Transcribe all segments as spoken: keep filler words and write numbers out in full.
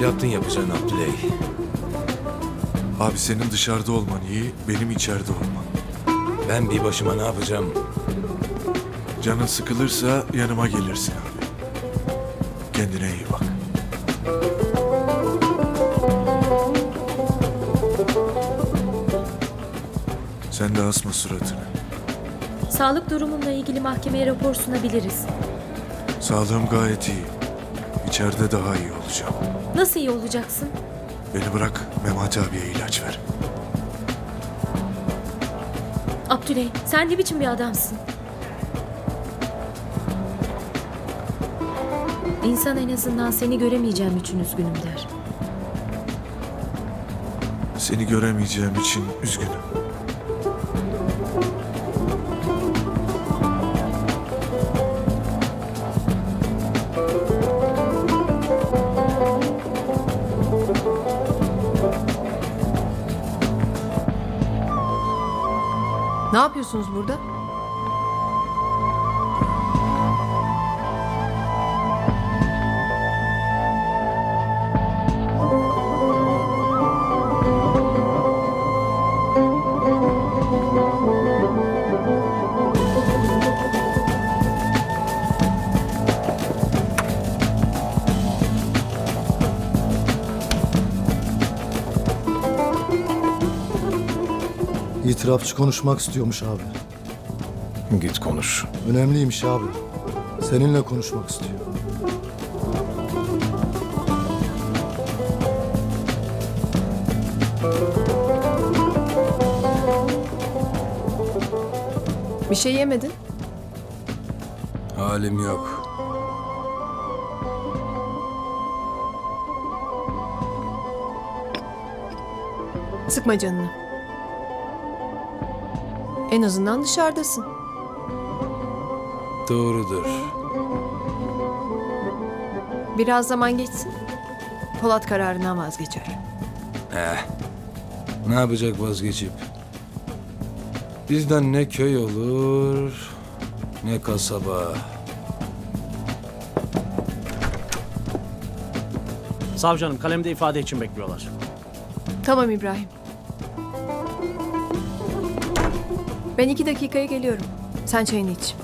Yaptın yapacağını Abdüley. Abi senin dışarıda olman iyi, benim içeride olmam. Ben bir başıma ne yapacağım? Canın sıkılırsa yanıma gelirsin abi. Kendine iyi bak. Sen de asma suratını. Sağlık durumumla ilgili mahkemeye rapor sunabiliriz. Sağlığım gayet iyi. İçeride daha iyi olacağım. Nasıl iyi olacaksın? Beni bırak, Memati abiye ilaç ver. Abdüley, sen ne biçim bir adamsın? İnsan en azından seni göremeyeceğim için üzgünüm der. Seni göremeyeceğim için üzgünüm. Ne yapıyorsunuz burada? İtirafçı konuşmak istiyormuş abi. Git konuş. Önemliymiş abi. Seninle konuşmak istiyor. Bir şey yemedin. Halim yok. Sıkma canını. En azından dışarıdasın. Doğrudur. Biraz zaman geçsin. Polat kararından vazgeçer. Eh. Ne yapacak vazgeçip? Bizden ne köy olur, ne kasaba. Savcı kalemde ifade için bekliyorlar. Tamam İbrahim. Ben iki dakikaya geliyorum. Sen çayını iç.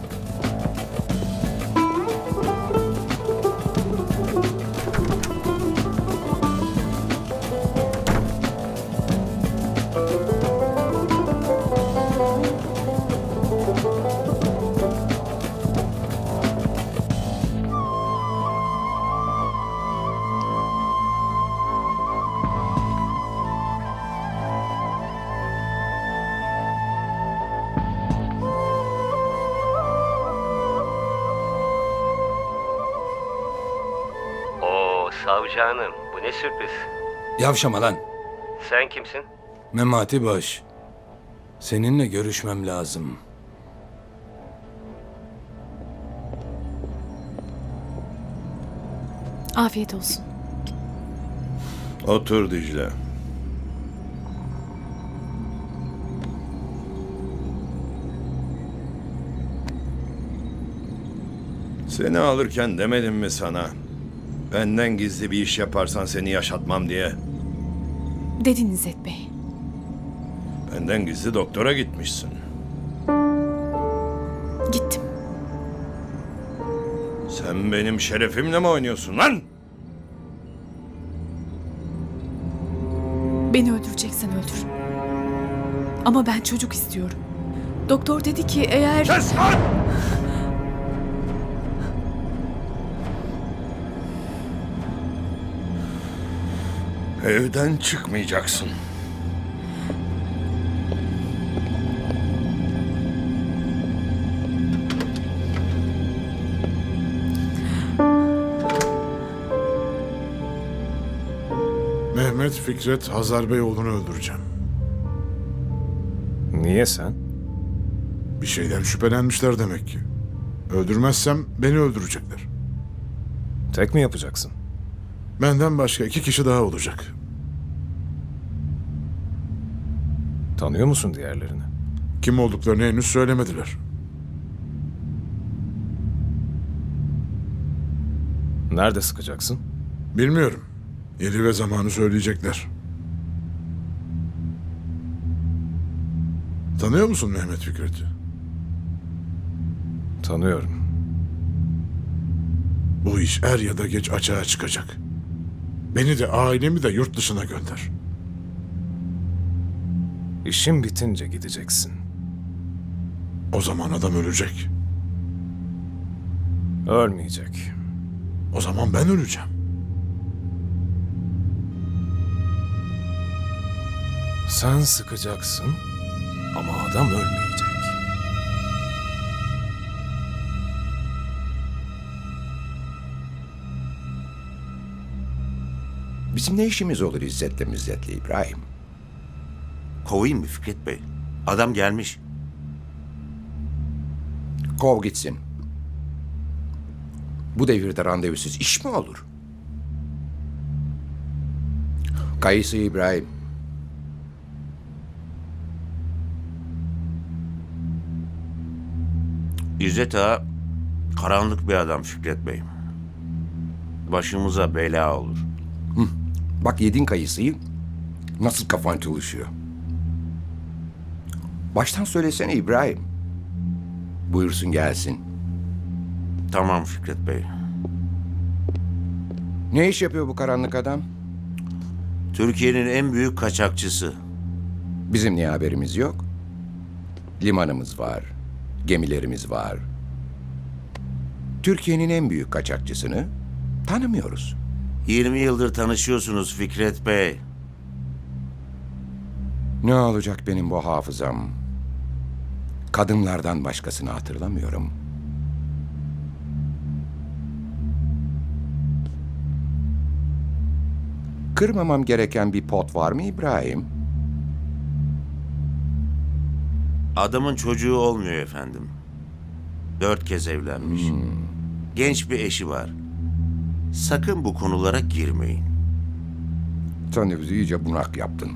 Oo savcı hanım, bu ne sürpriz. Yavşama lan. Sen kimsin? Memati Baş. Seninle görüşmem lazım. Afiyet olsun. Otur Dicle. Seni alırken demedim mi sana? Benden gizli bir iş yaparsan seni yaşatmam diye. Dedin İzzet Bey. Benden gizli doktora gitmişsin. Gittim. Sen benim şerefimle mi oynuyorsun lan? Beni öldüreceksen öldür. Ama ben çocuk istiyorum. Doktor dedi ki eğer... Kes lan! Evden çıkmayacaksın. Mehmet Fikret Hazar Bey oğlunu öldüreceğim. Niye sen? Bir şeyden şüphelenmişler demek ki. Öldürmezsem beni öldürecekler. Tek mi yapacaksın? Benden başka iki kişi daha olacak. Tanıyor musun diğerlerini? Kim olduklarını henüz söylemediler. Nerede sıkacaksın? Bilmiyorum. Yeri ve zamanı söyleyecekler. Tanıyor musun Mehmet Fikret'i? Tanıyorum. Bu iş er ya da geç açığa çıkacak. Beni de ailemi de yurt dışına gönder. İşin bitince gideceksin. O zaman adam ölecek. Ölmeyecek. O zaman ben öleceğim. Sen sıkacaksın ama adam ölmeyecek. Bizim ne işimiz olur İzzet'le Mizzet'le İbrahim? Kovayım mı Fikret Bey? Adam gelmiş. Kov gitsin. Bu devirde randevusuz iş mi olur? Kayısı İbrahim. İzzet Ağa karanlık bir adam Fikret Bey. Başımıza bela olur. Bak yedin kayısıyı. Nasıl kafan çalışıyor? Baştan söylesene İbrahim. Buyursun gelsin. Tamam Fikret Bey. Ne iş yapıyor bu karanlık adam? Türkiye'nin en büyük kaçakçısı. Bizim niye haberimiz yok? Limanımız var. Gemilerimiz var. Türkiye'nin en büyük kaçakçısını tanımıyoruz. yirmi yıldır tanışıyorsunuz Fikret Bey. Ne olacak benim bu hafızam? Kadınlardan başkasını hatırlamıyorum. Kırmamam gereken bir pot var mı İbrahim? Adamın çocuğu olmuyor efendim. Dört kez evlenmiş. Genç bir eşi var. Sakın bu konulara girmeyin. Sen de bizi iyice bunak yaptın.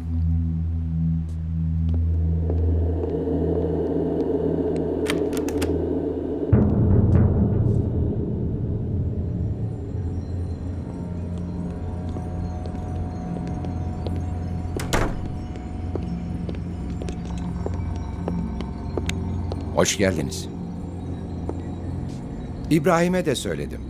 Hoş geldiniz. İbrahim'e de söyledim.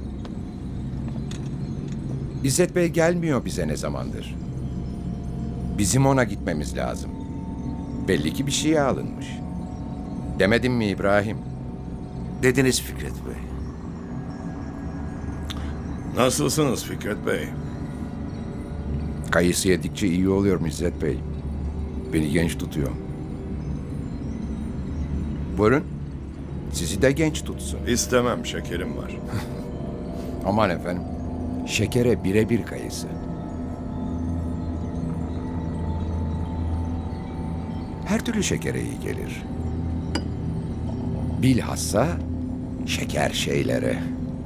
İzzet Bey gelmiyor bize ne zamandır. Bizim ona gitmemiz lazım. Belli ki bir şeye alınmış. Demedim mi İbrahim? Dediniz Fikret Bey. Nasılsınız Fikret Bey? Kayısı yedikçe iyi oluyor İzzet Bey. Beni genç tutuyor. Buyurun. Sizi de genç tutsun. İstemem, şekerim var. Aman efendim. Şekere birebir kayısı. Her türlü şekere iyi gelir. Bilhassa şeker şeylere.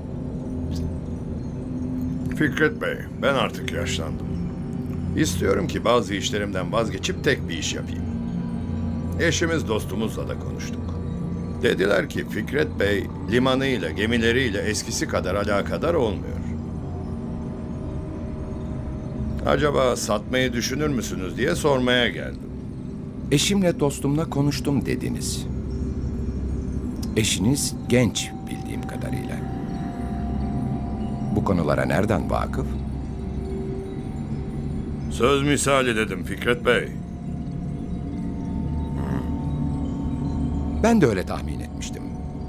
Fikret Bey, ben artık yaşlandım. İstiyorum ki bazı işlerimden vazgeçip tek bir iş yapayım. Eşimiz dostumuzla da konuştuk. Dediler ki Fikret Bey limanıyla, gemileriyle eskisi kadar alakadar olmuyor. Acaba satmayı düşünür müsünüz diye sormaya geldim. Eşimle dostumla konuştum dediniz. Eşiniz genç bildiğim kadarıyla. Bu konulara nereden vakıf? Söz misali dedim Fikret Bey. Ben de öyle tahmin etmiştim.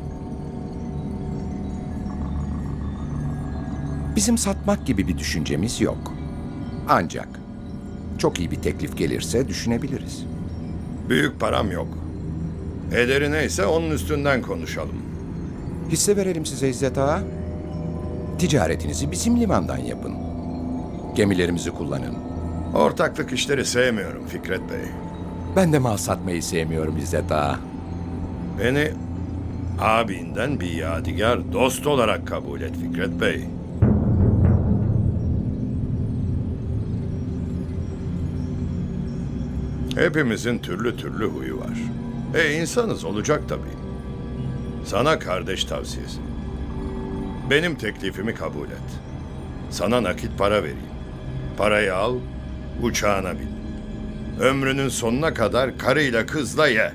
Bizim satmak gibi bir düşüncemiz yok. Ancak çok iyi bir teklif gelirse düşünebiliriz. Büyük param yok. Ederi neyse onun üstünden konuşalım. Hisse verelim size İzzet Ağa. Ticaretinizi bizim limandan yapın. Gemilerimizi kullanın. Ortaklık işleri sevmiyorum Fikret Bey. Ben de mal satmayı sevmiyorum İzzet Ağa. Beni abinden bir yadigar dost olarak kabul et Fikret Bey. Hepimizin türlü türlü huyu var. E insanız, olacak tabii. Sana kardeş tavsiyesi. Benim teklifimi kabul et. Sana nakit para vereyim. Parayı al, uçağına bin. Ömrünün sonuna kadar karıyla kızla ye.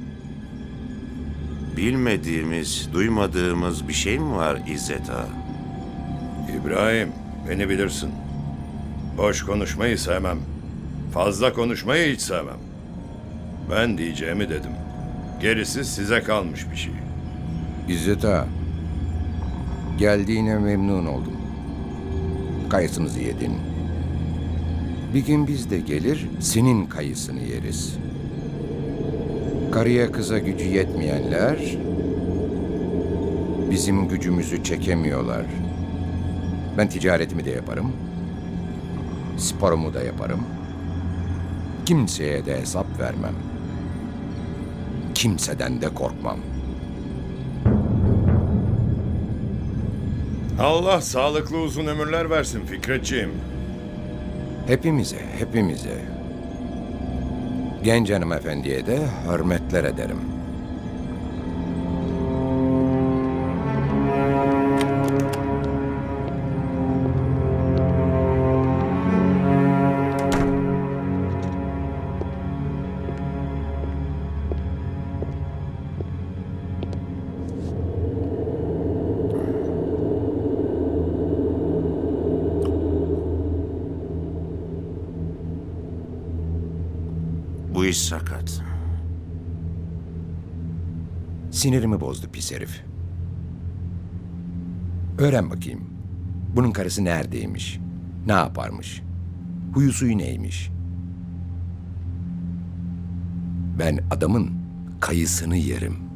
Bilmediğimiz, duymadığımız bir şey mi var İzzet Ağa? İbrahim, beni bilirsin. Boş konuşmayı sevmem. Fazla konuşmayı hiç sevmem. Ben diyeceğimi dedim. Gerisi size kalmış bir şey. İzzet Ağa, geldiğine memnun oldum. Kayısımızı yedin. Bir gün biz de gelir, senin kayısını yeriz. Karıya kıza gücü yetmeyenler, bizim gücümüzü çekemiyorlar. Ben ticaretimi de yaparım, sporumu da yaparım. Kimseye de hesap vermem. Kimseden de korkmam. Allah sağlıklı uzun ömürler versin Fikretciğim. Hepimize, hepimize. Genç hanımefendiye de hürmetler ederim. Bu iş sakat. Sinirimi bozdu pis herif. Öğren bakayım. Bunun karısı neredeymiş? Ne yaparmış? Huyu suyu neymiş? Ben adamın kayısını yerim.